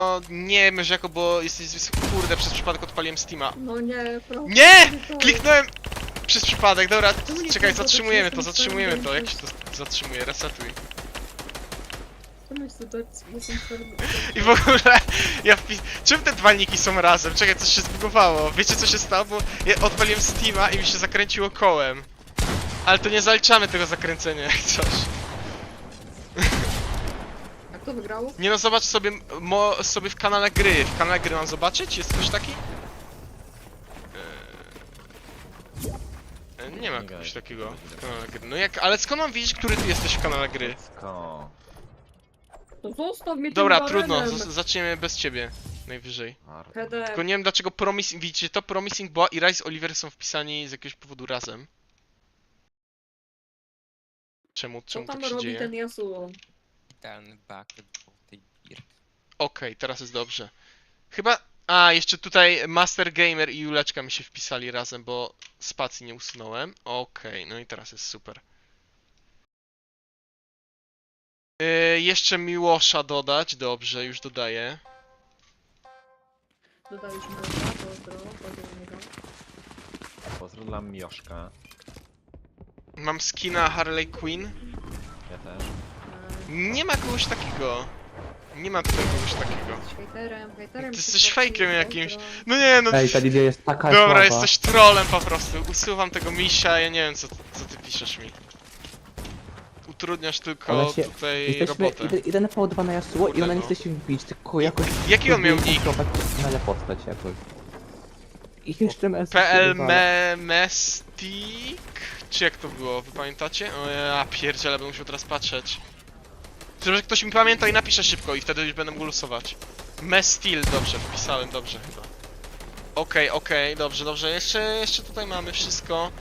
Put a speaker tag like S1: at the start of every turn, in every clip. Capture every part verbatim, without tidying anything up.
S1: No, nie wiesz jako, bo jesteś kurde, przez przypadek odpaliłem Steama.
S2: No nie, proszę.
S1: Nie!
S2: to-
S1: Kliknąłem przez przypadek, dobra,
S2: Czemu nie
S1: czekaj,
S2: kliknął,
S1: zatrzymujemy
S2: to
S1: to,
S2: jestem
S1: zatrzymujemy to,
S2: twoim
S1: jak się to zatrzymuje, resetuj.
S2: Czemu jest to jestem twardy?
S1: I w ogóle, ja wpis... Czym te dwa niki są razem? Czekaj, coś się zbugowało. Wiecie co się stało? Bo ja odpaliłem Steama i mi się zakręciło kołem. Ale to nie zaliczamy tego zakręcenia jak coś.
S2: A kto wygrał?
S1: Nie no, zobacz sobie, mo, sobie w kanale gry. W kanale gry mam zobaczyć? Jest ktoś taki? Eee, nie ma kogoś takiego w kanale gry. No jak, ale skąd mam wiedzieć, który ty jesteś w kanale gry?
S3: Sko.
S2: To zostaw mnie tym
S1: Dobra,
S2: barenem.
S1: trudno, z- zaczniemy bez ciebie. Najwyżej.
S2: Headem.
S1: Tylko nie wiem dlaczego Promising, widzicie to? Promising Boa i Rise Oliver są wpisani z jakiegoś powodu razem. Czemu,
S2: Co
S1: czemu
S2: tam
S1: tak się
S2: robi
S1: dzieje?
S2: ten Yasuo?
S4: Idealny bucket po tej bier.
S1: Okej, teraz jest dobrze. Chyba... A, jeszcze tutaj Master Gamer i Juleczka mi się wpisali razem, bo spacji nie usunąłem. Okej, no i teraz jest super. Yy, jeszcze Miłosza dodać, dobrze, już dodaję.
S2: Dodaliśmy dobra, pozdro, pozdro do niego.
S3: Pozdro dla Mioszka.
S1: Mam skina Harley Quinn.
S3: Ja też.
S2: Eee,
S1: Nie ma kogoś takiego. Nie ma tutaj kogoś takiego.
S2: Jesteś hejterem, hejterem.
S1: Ty
S2: się
S1: jesteś
S2: popsuł,
S1: fejkiem jakimś.
S2: pozdro.
S1: No nie, no...
S5: Ej, ta Lidia jest taka
S1: Dobra,
S5: słaba.
S1: jesteś trollem po prostu. Usuwam tego misia, ja nie wiem co, co ty piszesz mi. Utrudniasz tylko
S5: Ona się-
S1: tutaj
S5: Jesteśmy
S1: robotę.
S5: jeden- jeden po dwa na Yasuo i ona nie
S1: Kurde,
S5: chce się wbić, tylko jakoś...
S1: Jaki on miał
S5: próbuje
S1: nick?
S5: kontrolować Ale postać jakoś. I jeszcze M S...
S1: P L me Mestik? Czy jak to było? Wy pamiętacie? O ja pierdziele, będę musiał teraz patrzeć. Chyba, że ktoś mi pamięta i napisze szybko i wtedy już będę mógł losować. Mestil, dobrze, wpisałem dobrze chyba. Okej, okej, dobrze, dobrze. Jeszcze, jeszcze tutaj mamy wszystko.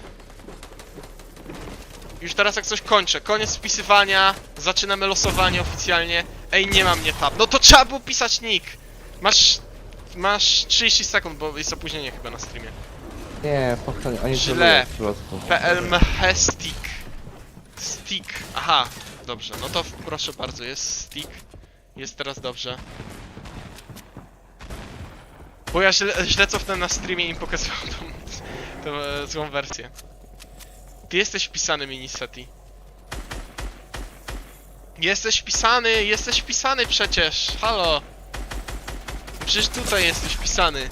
S1: Już teraz jak coś kończę. Koniec wpisywania. Zaczynamy losowanie oficjalnie. Ej, nie ma mnie tab. No to trzeba było pisać nick. Masz... Masz trzydzieści sekund, bo jest opóźnienie chyba na streamie.
S5: Nie, pochwalnie, oni
S1: Źle.
S5: trolują po prostu.
S1: P L Mehestik. Stick. Aha, dobrze. No to proszę bardzo, jest stick. Jest teraz dobrze. Bo ja źle, źle cofnąłem na streamie i im pokazywałem tą, tą e, złą wersję. Ty jesteś wpisany, Miniseti. Jesteś wpisany, jesteś wpisany przecież. Halo. Przecież tutaj jesteś wpisany.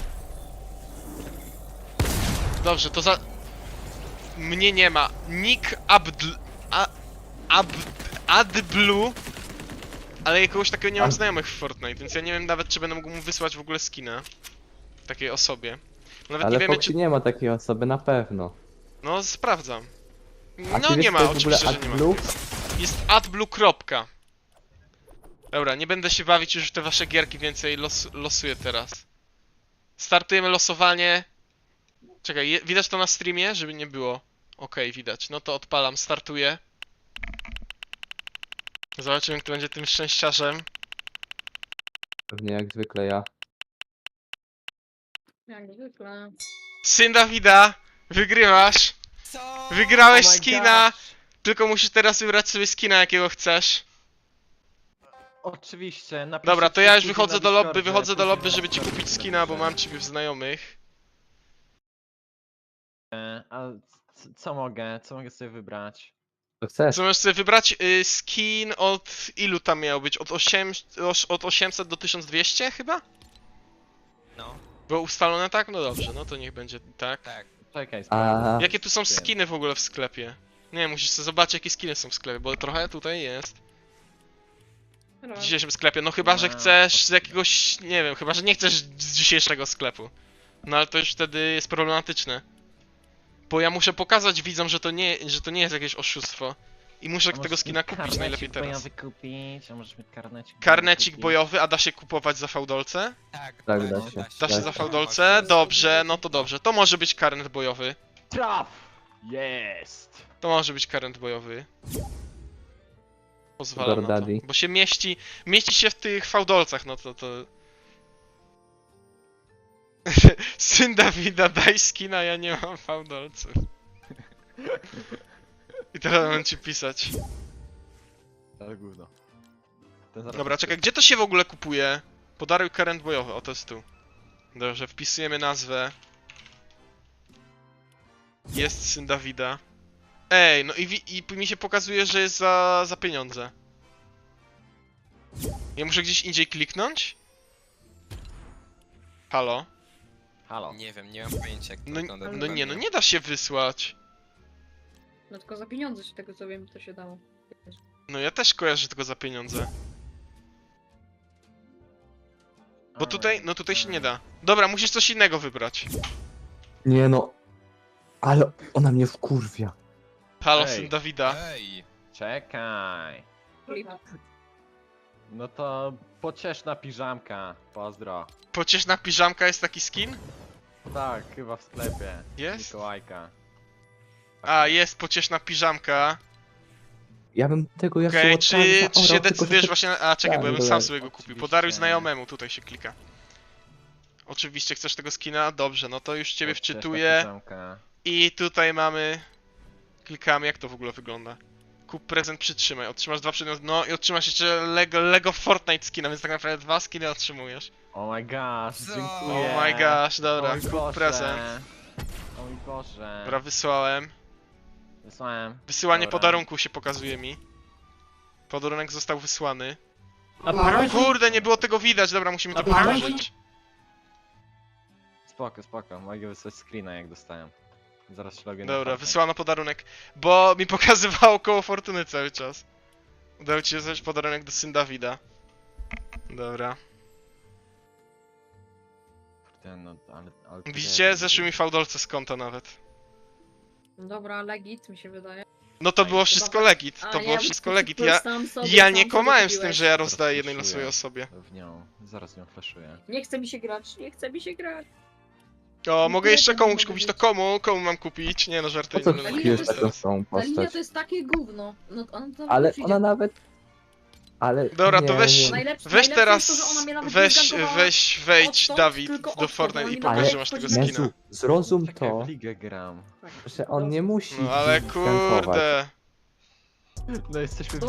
S1: Dobrze, to za... Mnie nie ma. Nick Abdl... A... Ab... Adblue. Ale jakiegoś takiego nie mam
S5: Ab-
S1: znajomych w Fortnite, więc ja nie wiem nawet, czy będę mógł mu wysłać w ogóle skina. Takiej osobie. Nawet
S5: Ale
S1: nie wiemy,
S5: Foxy
S1: czy...
S5: nie ma takiej osoby, na pewno.
S1: No, sprawdzam.
S5: A
S1: No
S5: ty wiesz,
S1: nie ma,
S5: co jest w ogóle
S1: oczywiście, że nie ma.
S5: AdBlue?
S1: Jest AdBlue. Kropka. Dobra, nie będę się bawić już w te wasze gierki więcej, los, losuję teraz. Startujemy losowanie. Czekaj, je, widać to na streamie, żeby nie było? Okej, widać. No to odpalam, startuję. Zobaczymy, kto będzie tym szczęściarzem.
S5: Pewnie jak zwykle ja.
S2: Jak zwykle.
S1: Syn Dawida, wygrywasz.
S4: Co?
S1: Wygrałeś
S3: Oh my
S1: skina.
S3: gosh.
S1: Tylko musisz teraz wybrać sobie skina, jakiego chcesz.
S3: Oczywiście, napiszcie
S1: Dobra, to ja już
S3: później
S1: wychodzę
S3: na
S1: do lobby,
S3: Discordzie,
S1: wychodzę do
S3: później
S1: lobby,
S3: na
S1: żeby ci
S3: Discordzie
S1: kupić skina, bo mam
S3: napiszę.
S1: ciebie w znajomych.
S3: E, A c- co mogę? Co mogę sobie wybrać?
S5: To chcesz?
S1: Co możesz sobie wybrać? Y, skin od ilu tam miał być? Od, osiem, oś- od osiemset do tysiąc dwieście chyba?
S4: No,
S1: Było ustalone tak? No dobrze, no to niech będzie tak.
S4: tak.
S3: Czekaj,
S5: A...
S3: sprawdzę.
S1: Jakie tu są skiny w ogóle w sklepie? Nie, musisz sobie zobaczyć jakie skiny są w sklepie, bo trochę tutaj jest. W dzisiejszym sklepie, no chyba, że
S3: No,
S1: chcesz z jakiegoś, nie wiem, chyba, że nie chcesz z dzisiejszego sklepu. No ale to już wtedy jest problematyczne. Bo ja muszę pokazać widzom, że to nie, że to nie jest jakieś oszustwo. I muszę
S3: A
S1: tego
S3: możesz
S1: skina
S3: mi
S1: kupić
S3: karnecik
S1: najlepiej teraz.
S3: bojowy kupić, a możesz mi karnecik bojowy
S1: Karnecik
S3: kupić?
S1: bojowy, a da się kupować za fałdolce?
S4: Tak,
S5: Tak,
S4: da
S5: da się.
S4: się.
S1: Da się
S5: Tak.
S1: za fałdolce? Dobrze, no to dobrze. To może być karnet bojowy.
S3: Traf! Jest!
S1: To może być karnet bojowy. Pozwalam na to.
S5: Daddy.
S1: Bo się mieści, mieści się w tych fałdolcach, no to to... Syn Dawida, daj skina, ja nie mam fałdolców. I teraz mam ci pisać.
S3: Ale gówno. Ten zaraz
S1: Dobra,
S3: jest-
S1: czekaj, gdzie to się w ogóle kupuje? Podaruj current bojowy, o to jest tu. Dobrze, wpisujemy nazwę. Jest syn Dawida. Ej, no i, wi- i mi się pokazuje, że jest za, za pieniądze. Ja muszę gdzieś indziej kliknąć? Halo?
S3: Halo.
S4: Nie wiem, nie mam pojęcia jak to
S1: No,
S4: wygląda.
S1: no
S4: dokładnie.
S1: nie, no nie da się wysłać.
S2: No tylko za pieniądze się tego co wiem, to się dało.
S1: No ja też kojarzę tylko za pieniądze. Bo tutaj, no tutaj się nie da. Dobra, musisz coś innego wybrać.
S5: Nie no. Ale ona mnie wkurwia.
S1: Halo,
S3: Ej.
S1: syn Dawida.
S4: Ej!
S3: Czekaj.
S2: Flip.
S3: No to pocieszna piżamka. Pozdro.
S1: Pocieszna piżamka jest taki skin?
S3: Tak, chyba w sklepie.
S1: Jest?
S3: Mikołajka.
S1: A, jest pocieszna piżamka.
S5: Ja bym tego jak
S1: Okej, czy, czy się decydujesz właśnie na... A, czekaj, bo ja bym
S5: Tak,
S1: sam
S5: dobra.
S1: sobie go kupił.
S3: Oczywiście.
S1: Podaruj znajomemu, tutaj się klika. Oczywiście chcesz tego skina? Dobrze, no to już ciebie
S3: Pocieszna
S1: wczytuję.
S3: piżamka.
S1: I tutaj mamy... Klikamy, jak to w ogóle wygląda. Kup prezent, przytrzymaj. Otrzymasz dwa przedmioty, no i otrzymasz jeszcze Lego, Lego Fortnite skina, więc tak naprawdę dwa skiny otrzymujesz.
S3: Oh my gosh,
S4: Co?
S3: dziękuję.
S1: Oh my gosh, dobra,
S3: O mój
S1: kup
S3: Boże.
S1: prezent.
S3: O mój Boże.
S1: Dobra, wysłałem.
S3: Wysłałem.
S1: Wysyłanie
S3: Dobra.
S1: podarunku się pokazuje mi. Podarunek został wysłany.
S5: A para?
S1: Kurde, nie było tego widać, dobra, musimy to
S5: A para?
S1: powtórzyć.
S3: Spoko, spoko. Mogę wysłać screena jak dostałem. Zaraz się logię na
S1: Dobra,
S3: Fortnite.
S1: wysłano podarunek, bo mi pokazywało koło fortuny cały czas. Udało ci się znaleźć podarunek do syn Dawida. Dobra.
S3: Kurde, no, ale, ale
S1: Widzicie? Zeszły mi fałdolce z konta nawet.
S2: Dobra, legit mi się wydaje.
S1: No to
S2: Ej,
S1: było
S2: chyba
S1: wszystko
S2: tak.
S1: legit,
S2: A,
S1: to
S2: ja
S1: było
S2: bym
S1: wszystko
S2: po
S1: legit.
S2: prostu
S1: Ja,
S2: sam sobie-
S1: ja
S2: sam
S1: nie
S2: sobie
S1: komałem z tym,
S2: kupiłeś.
S1: że ja rozdaję
S3: Teraz
S1: jednej
S3: flashuję.
S1: losowej osobie.
S3: W nią. Zaraz nią flashuję.
S2: Nie chce mi się grać, nie chce mi się grać.
S1: O, mogę
S2: tyle
S1: jeszcze
S2: tego
S1: komuś
S2: mogę
S1: kupić, to
S2: mieć.
S1: komu? Komu mam kupić? Nie no,
S5: Po
S1: żartuję,
S5: co
S1: nie będę
S2: Linia
S5: kupiłeś
S2: to
S1: kupować
S5: taką
S2: jest-
S5: samą
S2: Ta linia
S5: postać?
S2: to jest takie gówno. No, on to
S5: Ale
S2: przyjdzie.
S5: ona nawet... Ale...
S1: Dobra, to
S5: nie,
S1: weź-
S5: nie.
S2: Najlepsze,
S1: Weź
S2: najlepsze
S1: teraz,
S2: jest to, że ona mnie nawet
S1: weź,
S2: nie zgankowała
S1: weź, wejdź
S2: odtąd,
S1: Dawid
S2: tylko
S1: do
S2: odtąd,
S1: Fortnite
S2: ona
S1: i
S2: mi
S1: pokaż,
S5: nawet
S1: że masz tego
S2: wchodzi na-
S1: skina.
S5: Jezu, zrozum
S3: Czekaj,
S5: to,
S3: w ligę gram.
S2: Tak.
S5: że on nie musi
S1: No ale
S5: gankować.
S1: kurde.
S3: No jesteśmy